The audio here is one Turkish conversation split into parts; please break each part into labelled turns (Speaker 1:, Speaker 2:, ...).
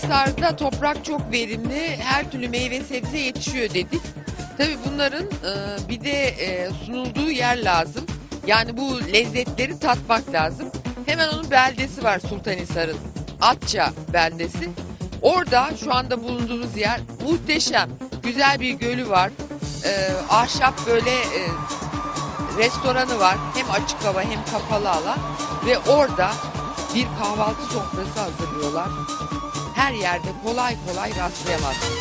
Speaker 1: Sultanhisar'da toprak çok verimli, her türlü meyve sebze yetişiyor dedik. Tabii bunların bir de sunulduğu yer lazım. Yani bu lezzetleri tatmak lazım. Hemen onun beldesi var Sultanhisar'ın. Atça beldesi. Orada şu anda bulunduğumuz yer muhteşem. Güzel bir gölü var. Ahşap böyle restoranı var. Hem açık hava hem kapalı alan. Ve orada bir kahvaltı sofrası hazırlıyorlar. Her yerde kolay kolay rastlayamazsınız.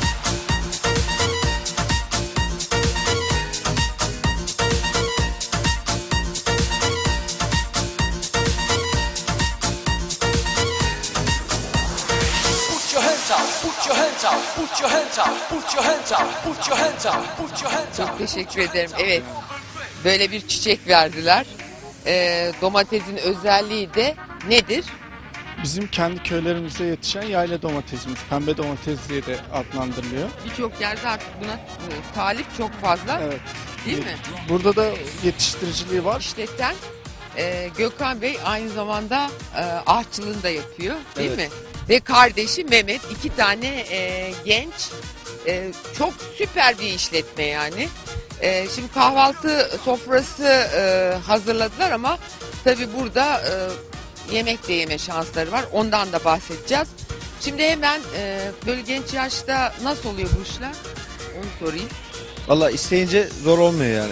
Speaker 1: Çok teşekkür ederim. Evet, böyle bir çiçek verdiler. Domatesin özelliği de nedir?
Speaker 2: Bizim kendi köylerimizde yetişen yayla domatesimiz. Pembe domates diye de adlandırılıyor.
Speaker 1: Birçok yerde artık buna talip çok fazla.
Speaker 2: Evet.
Speaker 1: Değil mi?
Speaker 2: Burada da yetiştiriciliği var.
Speaker 1: İşleten Gökhan Bey aynı zamanda ahçılığını da yapıyor. Değil
Speaker 2: Evet.
Speaker 1: mi? Ve kardeşi Mehmet, iki tane genç, çok süper bir işletme yani. Şimdi kahvaltı sofrası hazırladılar ama tabii burada yemek de yeme şansları var. Ondan da bahsedeceğiz. Şimdi hemen böyle genç yaşta nasıl oluyor bu işler? Onu sorayım.
Speaker 3: Valla isteyince zor olmuyor yani.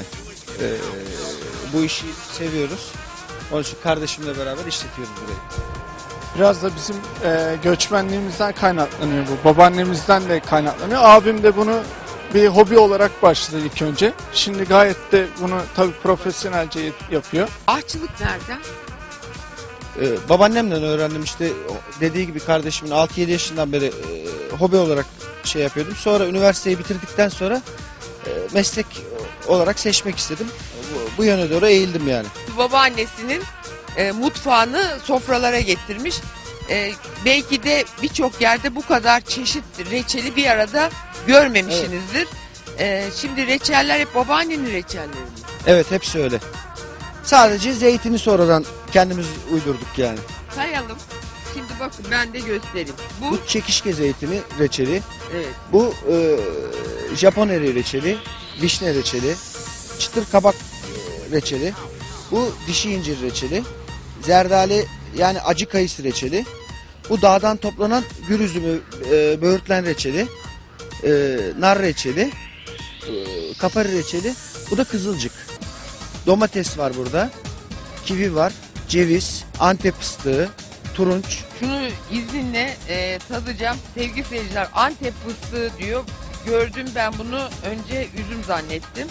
Speaker 3: Bu işi seviyoruz. Onun için kardeşimle beraber işletiyoruz burayı.
Speaker 2: Biraz da bizim göçmenliğimizden kaynaklanıyor bu. Babaannemizden de kaynaklanıyor. Abim de bunu bir hobi olarak başladı ilk önce. Şimdi gayet de bunu tabii profesyonelce yapıyor.
Speaker 1: Ahçılık nereden?
Speaker 3: Babaannemden öğrendim işte dediği gibi kardeşimin 6-7 yaşından beri hobi olarak şey yapıyordum. Sonra üniversiteyi bitirdikten sonra meslek olarak seçmek istedim. Bu yöne doğru eğildim yani.
Speaker 1: Babaannesinin mutfağını sofralara getirmiş. Belki de birçok yerde bu kadar çeşit reçeli bir arada görmemişsinizdir. Şimdi reçeller hep babaannenin reçelleri mi?
Speaker 3: Evet, hepsi öyle. Sadece zeytini sonradan kendimiz uydurduk yani.
Speaker 1: Sayalım. Şimdi bakın ben de göstereyim. Bu
Speaker 3: Bu çekişke zeytini reçeli.
Speaker 1: evet.
Speaker 3: Bu Japon eriği reçeli, vişne reçeli, çıtır kabak reçeli. Bu dişi incir reçeli, zerdali yani acı kayısı reçeli. Bu dağdan toplanan gül üzümü böğürtlen reçeli, nar reçeli, kapari reçeli. Bu da kızılcık. Domates var burada, kivi var, ceviz, Antep fıstığı, turunç.
Speaker 1: Şunu izninle tadacağım. Sevgili seyirciler, Antep fıstığı diyor. Gördüm ben bunu, önce üzüm zannettim.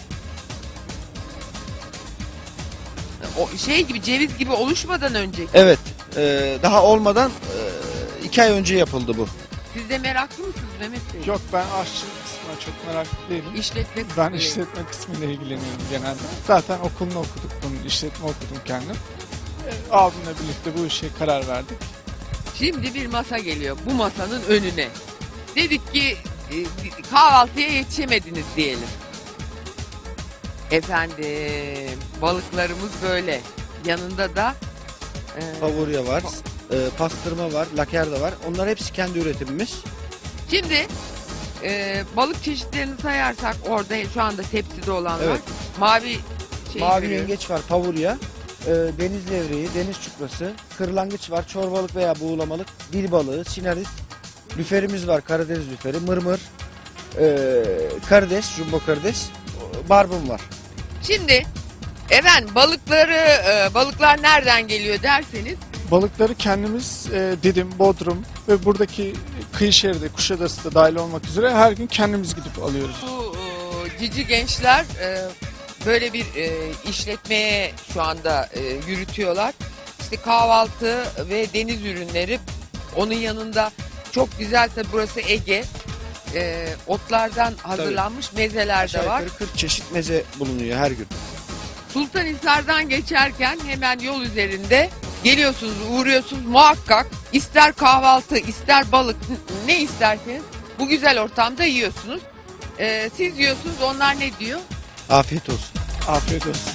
Speaker 1: O şey gibi, ceviz gibi oluşmadan önce.
Speaker 3: Evet, daha olmadan 2 ay önce yapıldı bu.
Speaker 1: Siz de meraklı mısınız Mehmet Bey?
Speaker 2: Yok, ben aşçılık kısmına çok meraklı değilim.
Speaker 1: İşletme
Speaker 2: Ben
Speaker 1: kısmı.
Speaker 2: işletme kısmıyla ilgileniyorum genelde. Zaten okulunu okuduk bunun, işletme okudum kendim. Abimle birlikte bu işe karar verdik.
Speaker 1: Şimdi bir masa geliyor bu masanın önüne. Dedik ki kahvaltıya yetişemediniz diyelim. Efendim, balıklarımız böyle. Yanında da
Speaker 3: Favurya var, pastırma var, lakerda var. Onlar hepsi kendi üretimimiz.
Speaker 1: şimdi balık çeşitlerini sayarsak orada şu anda tepside olanlar.
Speaker 3: Evet.
Speaker 1: Mavi şey
Speaker 3: Mavi
Speaker 1: görüyorum.
Speaker 3: yengeç var, favurya, deniz levreği, deniz çuprası, kırlangıç var, çorbalık veya buğulamalık, dil balığı, sinarit, lüferimiz var, Karadeniz lüferi, mırmır, karides, jumbo karides, barbun var.
Speaker 1: Şimdi efendim balıklar nereden geliyor derseniz
Speaker 2: Balıkları kendimiz Didim, Bodrum ve buradaki kıyı şeridi, Kuşadası da dahil olmak üzere her gün kendimiz gidip alıyoruz.
Speaker 1: bu cici gençler böyle bir işletmeye şu anda yürütüyorlar. İşte kahvaltı ve deniz ürünleri, onun yanında çok güzel, tabi burası Ege, otlardan hazırlanmış mezeler
Speaker 3: Aşağı
Speaker 1: de var.
Speaker 3: yukarı 40 çeşit meze bulunuyor her gün.
Speaker 1: Sultanhisar'dan geçerken hemen yol üzerinde geliyorsunuz, uğruyorsunuz muhakkak, ister kahvaltı ister balık ne isterseniz bu güzel ortamda yiyorsunuz. Siz yiyorsunuz, onlar ne diyor?
Speaker 3: Afiyet olsun.
Speaker 2: Afiyet olsun.